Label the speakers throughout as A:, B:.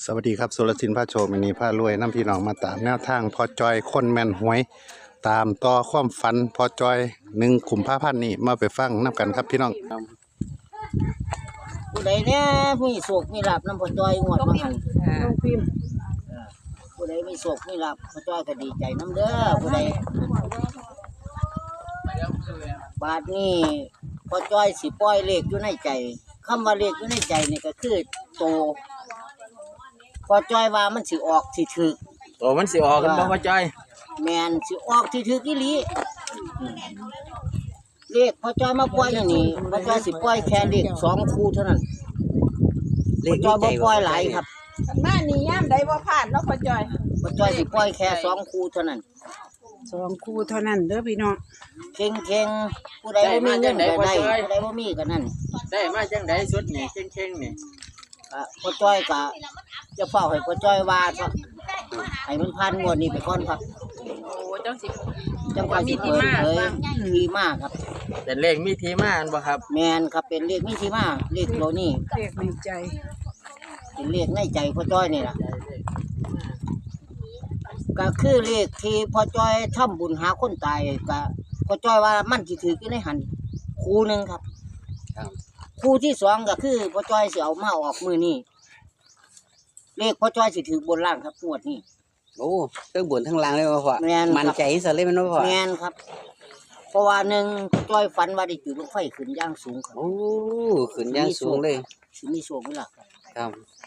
A: สวัสดีครับสุรศิลป์พระโชมินีพระรวยน้ำพี่น้องมาตามแนวทางพอจอยคนแม่นหวย ตามต่อความฝันพอจอย1 กุมภาพันธ์นี้มาไปฟังน้ำกันครับพี่น้อง
B: ผู้ใดเนี่ยมีโศกมีลาบน้ำพอจอยงวดมาหันผู้ใดมีโศกมีลาบพอจอยก็ดีใจน้ำเด้อผู้ใดบาทนี้พอจอยสิปล่อยเลขอยู่ในใจคำว่าเลขอยู่ในใจนี่ก็คือโตพอจอยว่ามันสิออกสิถึก
C: โอ้มันสิออกกันบ่พ่อจ้อย
B: แมนสิออกสิถึกอีหลีเลขพอจอยมาปล่อยอย่างนี้พอจอยสิปล่อยแค่เลข2 คู่เท่านั้นพอจอยบ่ปล่อยหลายครับ
D: กันมานี่ย่ามใดบ่ผ่านเนาะพ่อจอย
B: พอจอยสิปล่อยแค่2 คู่เท่านั้น
D: 2 คู่เท่านั้นเด้อพี่น้อง
B: เข่งผู้ใดบ่มีเงินก็ได้ผู้ใดบ่มีก็นั่น
C: ได้มาจังไดสุดนี่เข่งๆนี่
B: พอจ้อยก็จะเฝ้าให้พอจ้อยว่าซะให้มันผ่านงวดนี้ไปก่อนครับ
D: โอ้จังสิ
B: จังค่อยสิเปิดเผยมีมากครับ
C: เป็นเลขมีที่มาอันบ่ครับ
B: แม่นครับเป็นเลขมีที่มาเลขตัวนี้
D: เรียกในใจ
B: เป็นเลขในใจพอจ้อยนี่ล่ะก็คือเลขที่พอจ้อยทำบุญหาคนตายก็พอจ้อยว่ามันสิถืออยู่ในหันคู่หนึงครับ คู่ที่2ก็คือพ่อจ้อยสิเอามาออกมือนี้เลขพ่อจ้อยสิถือบนล่างครับงวดนี้
E: โอ้ทั้งบนทั้งล่างเลยว่าพ่อ
B: แม่นครับ
E: มันใจซะเลยแมันว่าพ่อ
B: แม่นครับ เพราะว่าหนึ่งพ่อจ้อยฝันว่าได้จุดลูกไฟขึ้นอย่างสูงครับ
E: โอ้ขึ้นอย่างสูงเลย
B: สิมีโชคมีลาภครับ
E: ครับ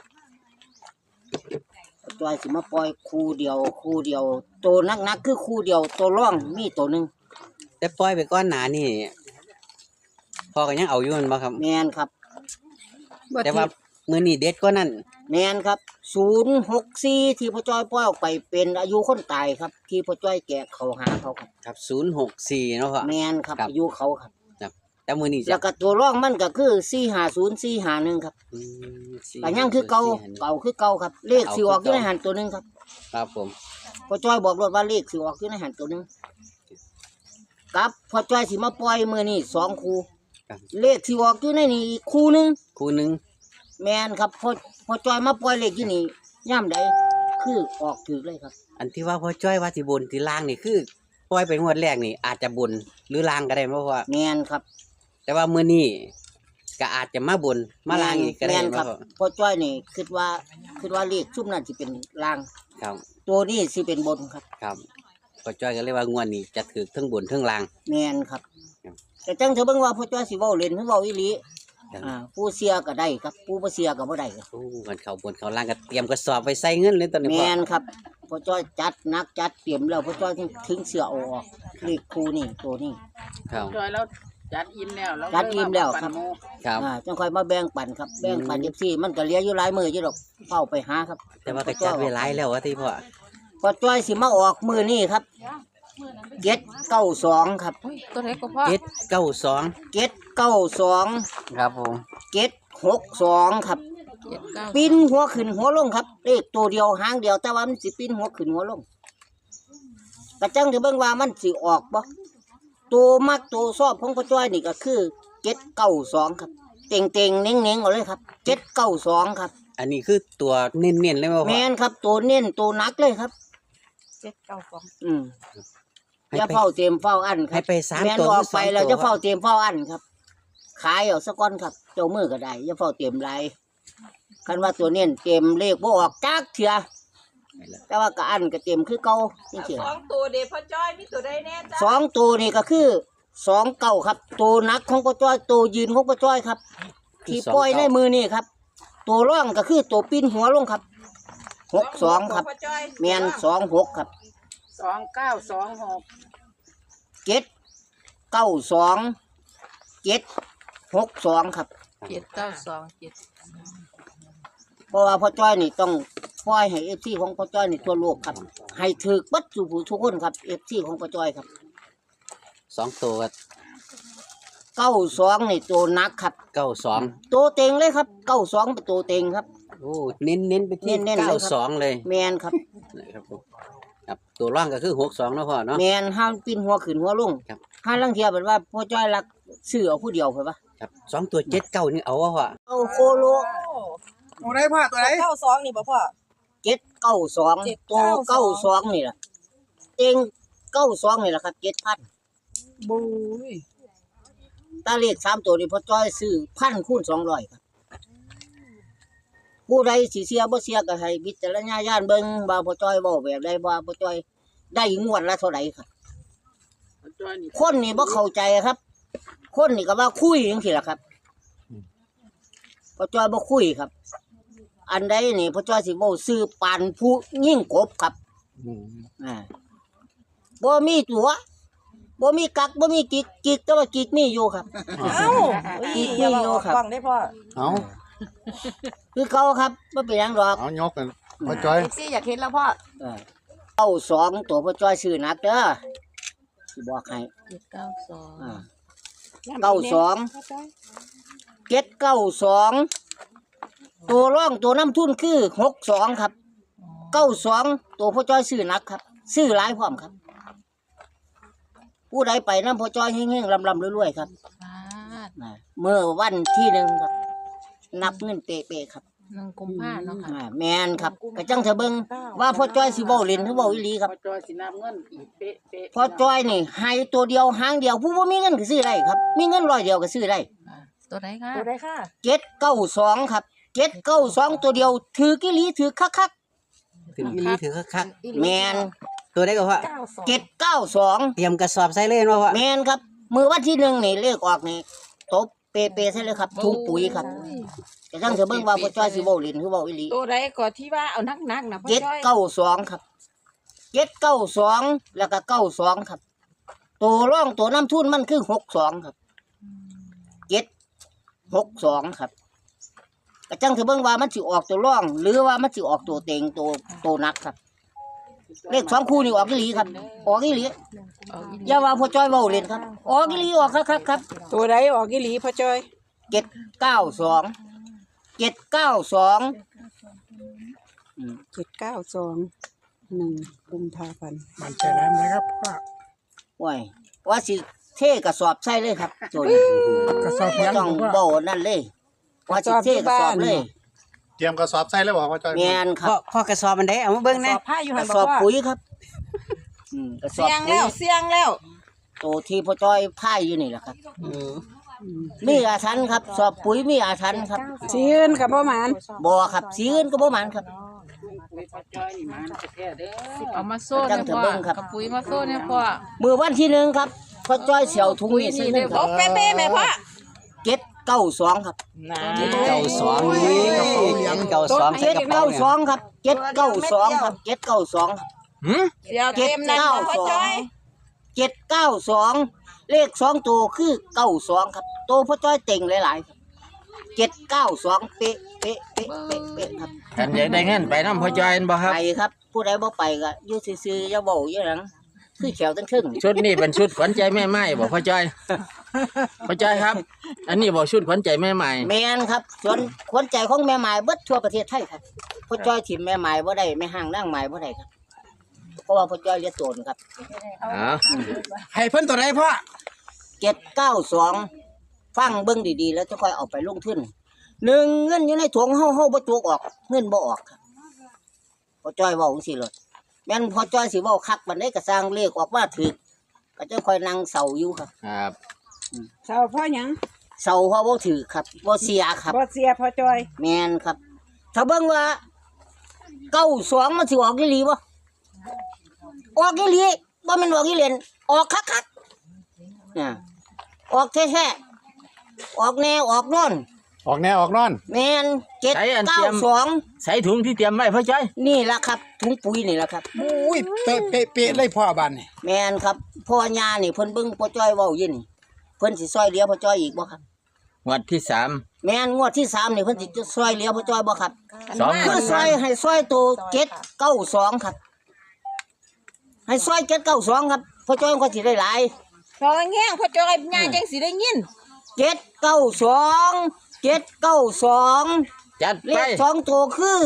B: พ่อจ้อยสิมาปล่อยคู่เดียวตัวนักคือคู่เดียวตัวร่องมีตัวหนึง
E: แต่ปล่อยไปก้อนหนานี่พ่อก็ยังเอาอยู่แมันบ่ครับ
B: แม่นครับ
D: บ่
E: แต่
D: ทิ
E: ว่า
D: พย์
E: มื้อนี้เด็ดกว่านั้น
B: แม่นครับ064ที่พ่อจ้อยปล่อยออกไปเป็นอายุคนตายครับ ที่พ่อจ้อยแกะเขาหาเขาครับ
E: ครับ064เนาะพ่อ
B: แม่นครับ
E: ครับ
B: อายุเขาครับ
E: แต่มื้อนี้
B: แล้วก็ตัวร่องมันก็คือ450451ครับ
E: อืม
B: ก็ยังคือเก่า
E: 4
B: คือเก่าครับ เลขสิออกอยู่ในหันตัวหนึงครับ
E: ครับผม
B: พ่อจ้อยบอกรถว่าเลขสิออกอยู่ในหันตัวหนึงกับพ่อจ้อยสิมาปล่อยมื้อนี้2 คู่
E: ครับ
B: เลขสิออกอยู่ในนี้อีกคู่หนึง
E: คู่หนึง
B: แม่นครับพ่อจ้อยมาปล่อยเลขอยู่นี่ย่ำใดคือออกถูกเลยครับ
E: อันที่ว่าพ่อจ้อยว่าสิบนสิล่างนี่คือปล่อยไปงวดแรกนี่อาจจะบนหรือล่างก็ได้บ่พ่อ
B: แม่นครับ
E: แต่ว่ามื้อนี้ก็อาจจะมาบนมาล่างอีกก็ได้
B: แม่น
E: บ่
B: ครับ
E: พ่อ
B: พ่อจ้อยนี่คิดว่าเลขชุมนั้นสิเป็นล่าง
E: ครับ
B: ตัวนี้สิเป็นบนครับ
E: ครับพ่อจ้อยก็เลยว่างวดนี้จะถือทั้งบนทั้งล่าง
B: แม่นครับ
E: ครับ
B: แต่จังเถอะเบิ่งว่าพ่อจ้อยสิเว้าเล่นหรือเว้าอีหลี
E: ครับ
B: ผู้เสียก็ได้ครับผู้บ่เสียก็บ่ได้ครับ
E: โอ้มันเขาบนเขาล่างก็เตรียมกระสอบไปใส่เงินเลยตอนนี้
B: แม
E: พ่อน
B: ครับพ่อจ้อยจัดหนักจัดเตรียมแล้วพ่อจ้อยถึงเสือเอาออกเลขคู่นี่ตัวนี้
E: ครับ
D: จอยแล้วจัดอิ่มแล้ว
B: จัดอิ่มแล้วครับ
E: ครับ
B: จังค่อยมาแบ่งปันครับแบ่งปัน14มันก็เหลืออยู่หลายมื้ออยู่ดอกเฝ้าไปหาครับ
E: แต่ว่าก็จัดไว้หลายแล้วว่าที่พ่อ
B: พ่อจ้อยสิมาออกมื้อนี้ครับ792ครับ
D: ตัวไหนก็พ่อ
E: 792
B: 792
E: ครับผม
B: 762ครับ
D: 79
B: ปิ้นหัวขึ้นหัวลงครับเลขตัวเดียวหางเดียวแต่ว่ามันสิปิ้นหัวขึ้นหัวลงกระจังจะเบิ่งว่ามันสิออกบ่ตัวมักตัวชอบของพ่อจ้อยนี่ก็คือ792ครับเต่งๆเน่งๆเอาเลยครับ792ครับ
E: อันนี้คือตัวเน้นๆเลยว่าพ่
B: แม่
E: อน
B: ครับตัวเน้นตัวหนักเลยครับ
D: 792
B: อืม
E: ให้
B: อย่า
E: ไป
B: เฝ้าเตรียมเฝ้าอันค
E: ให้
B: รับ
E: ไปสาม
B: แม่น
E: ตัว
B: ออก
E: หรือส
B: ไป
E: อง
B: แล้ว
E: ตัว
B: จะเฝ้าเตรียมเฝ้าอันครับ ขายเอาสักก้อนครับเจ้ามือก็ได้อย่าเฝ้าเตรียมไรคันว่าตัวเน้นเตรียมเลขบ่ออกจักเถื่อแต่ว่าก็อันก็เตรียมคือเก่านี่เถื่อ
D: 2ตัวเด้พ่อจอยมีตัวใดแน่จ้ะ
B: สองตัวนี่ก็คือ2 เก่าครับ ตัวหนักของป้าจ้อยตัวยืนของป้าจ้อยครับ ที่ปล่อยในมือนี่ครับ ตัวร่องก็คือตัวปิ้นหัวลงครับ62ครับ
D: พ่อจอย
B: แม่น26ครับ
D: 2926
B: 792 762ครับ
D: 7927
B: เพราะว่าพ่อจ้อยนี่ต้องปล่อยให้FCของพ่อจ้อยนี่ทั่วโลกครับ ให้ถึกบัดสู่ผู้ทุกคนครับ FC ของพ่อจ้อยครับ
E: 2ตัว
B: 92นี่ตัวหนักครับ
E: 92
B: ตัวเต็งเลยครับ92เป็นตัวเต็งครับ
E: โอ้เน้นๆไปที่
B: เน้นๆเลยครับ
E: 92เลย
B: แมนครับ
E: นะครับผมครับตัวร่างก็คือ62เนาะพ่อเนาะ
B: แมนห้ามปิ้นหัวขึ้นหัวลง
E: ครับ
B: ห้าลังเทียเป็นว่าพ่อจ้อยรักซื้อเอาผู้เดียวเพิ่นว่า
E: ครับ2ตัว79นี่เอาว่าพ่อ
B: เอาโคโล
D: โอ้ไร
F: ไหนพ่อตัวไหน
D: 92นี่บ่พ่อ
B: 792ตัว92นี่ล่ะเต็ง92นี่ล่ะครับ 7,000
D: บุ้ย
B: ถ้าเลข3ตัวนี่พ่อจ้อยซื้อ1,000คูณ200ครับผู้ใดสิเสียบ่เสียก็ให้วิจารณญาณเบิ่งว่าพ่อจ้อยเว้าแบบใดว่าพ่อจ้อยได้งวดละเท่าใดครับ
C: พ่อจ้อยนี่
B: คนนี่บ่เข้าใจครับ คนนี่ก็ว่าคุยจังซี่ล่ะครับพ่อจ้อยบ่คุยครับ อันใดนี่พ่อจ้อยสิเว้าซื้อปานผู้ยิ่งกบครับบ่มีตัวบ่มีกักบ่มีกิกแต่ว่ากิกมีอยู่ครับ
D: เอ้า
B: อีก
D: อย่า
B: นี่
D: มา
B: โย
D: ออก
B: ครับ
D: กล้องได้พ่อ
A: เอา
B: คือเขาครับบ่เป็นหยังดอก
A: เอายกกันพ่อจอย
D: ซี่อยากเห็นแล้วพ่อ
B: 92ตัวพ่อจ้อยซื้อหนักเด้อสิบอกให้
D: 92
B: อ่า 792ตัวร่องตัวน้ำทุนคือ62ครับ92ตัวพ่อจ้อยซื้อหนักครับซื้อหลายพร้อมครับ ผู้ใดไปน้ำพ่อจ้อยเฮงๆลำๆรวยๆครับเมื่อวันที่1ครับ นับเงินเป๊ะๆครับ
D: 1 กุมภาพันธ์เนาะค่ะ
B: แม่นครับกระจังเถอะเบิ่งว่าพ่อจ้อยสิเว้าเล่นหรือเว้าอีหลีครับ
C: พ่อจ้อยสินับเงินอีกเป๊ะ
B: พ่อจ้อยนี่ให้ตัวเดียวหางเดียวผู้บ่มีเงินก็ซื้อได้ครับ มีเงิน100เดียวก็ซื้อได้
D: ตัวใดค่ะตัวใดค่ะ
B: 792ครับ792ตัวเดียวถือกิลีถือคัก
E: ถึงอีหลีถือคัก
B: ๆแม่น
E: ๆตัวได้ก็พ่อ
B: 792
E: เตรียมกระสอบใส่เลยว่าพ่อ
B: แม่นครับมื้อวันที่1นี่เลขออกนี่ตบเป๊ะๆใช่เลยครับถุงปุ๋ยครับกระจังเถอะเบิ่งว่าพ่อจ้อยสิเว้าเล่นหรือเว้าอีหลี
D: ตัวใดก็ที่ว่าเอานักๆนะพ่อ
B: เจ็ด
D: จ้อย
B: เก้าสองครับ792แล้วก็92ครับตัวร่องตัวน้ำทุนมันคือ62ครับ762ครับกระจังถือเบิ่งว่ามันสิออกตัวร่อง หรือว่ามันสิออกตัวเต็งตัวนักครับ เลข2คู่นี่ออกอีหลีครับออกอีหลีอย่าว่าพ่อจ้อยเว้าเล่นครับออกอีหลีออกครับครับ
D: ตัวใดออกอีหลีพ่อจ้อย
B: 792
D: 792 1 กุมภาพันธ์
F: มันใจร้ายไหมครับพ่อ
B: โอ้ยว่าสิเทกระสอบใส่เลยครับโจน
F: กระสอบ
B: บ่
F: ยัง
B: ต้อง
F: พ่อ
B: เว้านั่นเลยว่าสิเทกระสอบเลย
A: เตรียมกระสอบใส่แล้วบ่พ่อจอย
B: แม่นค
E: พ่อ
B: รับ
E: พ่อกระสอบมันได้เอามาเบิ่ง
D: ส
E: นะ
D: อบผ้าอยู่
B: ก
D: หั่
B: ระ
D: น
B: ส
D: บ่
B: อบ
D: พ่อ
B: ปุ๋ยครับกระสอบ
D: เสียง
B: ปุ๋
D: แล้
B: ยว
D: เสียงแล้ว
B: ตัวที่พ่อจ้อยพายอยู่นี่แหละครับ
E: เออ
B: มีอาถรรพ์ครับ สอบปุ๋ยมีอาถรรพ์ครับ
D: สีอื่นกับบ่หมาน
B: บ่ครับสีอื่นก็บ่หมันครับ
C: พ่อจ้อยนี่มันแท้เด้อ
G: เอามาโซ่
B: จั
G: เนี่ย
B: งเถอะ
G: พ่อ
B: เบิ่งครับ
G: กับปุ๋ยมาโซ่เนี่ยพ่อ
B: มื้อวันที่1ครับพ่อจ้อยเสียวถุงนี้ใส่นึงค
D: โอ้
B: รับ
D: เป๊ะๆแม่พ่อ
B: 792ครับ
E: เก้าสองนี่เก้าสองใส่กระเป๋าเนี่ย
B: 792ครับ792ครับ792ครับ
D: เดี๋ยวเต็มนั้นบ่พ่อจ้อย
B: 792เลข2ตัวคือ92ครับตัวพ่อจ้อยเต็งหลายๆครับ792เป๊ะเป๊ะเป๊ะเป๊ะเป๊ะครับ
C: ท่านอยากได้เงินไปนำพ่อจ้อยบ่ครับ
B: ไปครับผู้ใดบ่ไปก็อยู่ซื่อๆอย่าเว้าอย่าหยังคือแขวตั้งครึ่ง
C: ชุดนี้เป็นชุดขวัญใจแม่ไม้บ่พ่อจ้อยพ่อจ้อยครับ อันนี้บ่ชุดขวัญใจแม่ไม้
B: แม่นครับส่วนขวัญใจของแม่หมายเบิดทั่วประเทศไทยครับพ่อจ้อยถิ่มแม่หมายบ่ได้แม่ห้างนางหมายบ่ได้ครับเพราะว่าพ่อจ้อยเลี้ยงโตนครับ
C: อ๋อ
F: ให้เพิ่นตัวไหนพ่อ
B: 792ฟังเบิ่งดีๆแล้วจะค่อยเอาไปลงทุนหนึ่งเงินอยู่ในถุงเฮาบ่ตกออกเงินบ่ออกครับพ่อจ้อยเว้าจังซี่เลยแม่นพ่อจ้อยสิเว้าคักบัดใดก็สร้างเลขออกมาถูกก็จะค่อยนั่งเศร้าอยู่ครับ
C: ครับ
D: เศร้าพ่อหยัง
B: เศร้าเพราะบ่ถูกครับบ่เสียครับ
D: บ่เสียพ่อจ้อย
B: แม่นครับ ถ้าเบิ่งว่า92มันสิออกอีหลีบ่ออกอีหลีบ่แม่นออกอีเล่นออกคักๆเนี่ยออกแท้ๆออกแนวออกโน่น
A: ออกแน่ออกนอน
B: แม่น792
C: ใส่ถุงที่เตรียมไว้พ่อจ้อย
B: นี่ล่ะครับถุงปุ๋ยนี่ล่ะครับ
F: อุ้ยเป๊ะเป๊ะเป๊ะเลยพ่อบ้านนี่
B: แม่นครับพ่อย่านี่เพิ่นเบิ่งพ่อจ้อยเว้าอยู่นี่เพิ่นสิซอยเหลือพ่อจ้อยอีกบ่ครับ
C: งวดที่3
B: แม่นงวดที่3นี่เพิ่นสิซอยเหลือพ่อจ้อยบ่ครับ
C: สอง
B: คือซอยให้ซอยตัว792ครับ ให้ซอย792ครับพ่อจ้อยก็สิได้หลาย
D: พอแง่งพ่อจ้อยง่ายจังสิได้ยิน
B: 792
C: จัด
B: เล
C: ไป
B: ข2ตัวคือ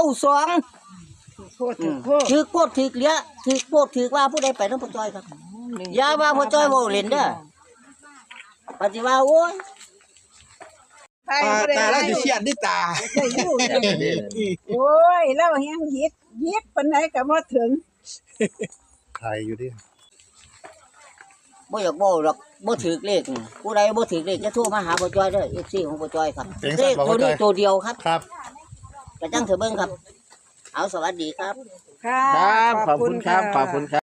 B: 92
D: โคตรโคตร
B: ถือโคตรถือเหลือถือโคตรถือว่าผู้ใดไปนำพ่อจ้อยครับอย่าว่าพ่อจ้อยเว้าเล่นเด้อปฏิว่าโอ้ย
D: ไทยบ่ได้
F: ตาเราสิเชียดดิตา
D: ได้อยู่เนี่ยโอ้ยเราเฮียงยิดปานไหนก็บ่ถึง
A: ใครอยู่ดิ
B: บ่อยากบอกหรอกบ่ถือเลขผู้ใดบ่ถือเลขจะโทรมาหาพ่อจ้อยเด้อ FC ของพ่อจ้อยครับเลขตัวนี้ตัวเดียวครับ
A: ครับ
B: กระจังเถอะเบิ่งครับ เอาสวัสดีครับ
D: ค่ะ
C: ครับขอบคุณครับขอบคุณครับ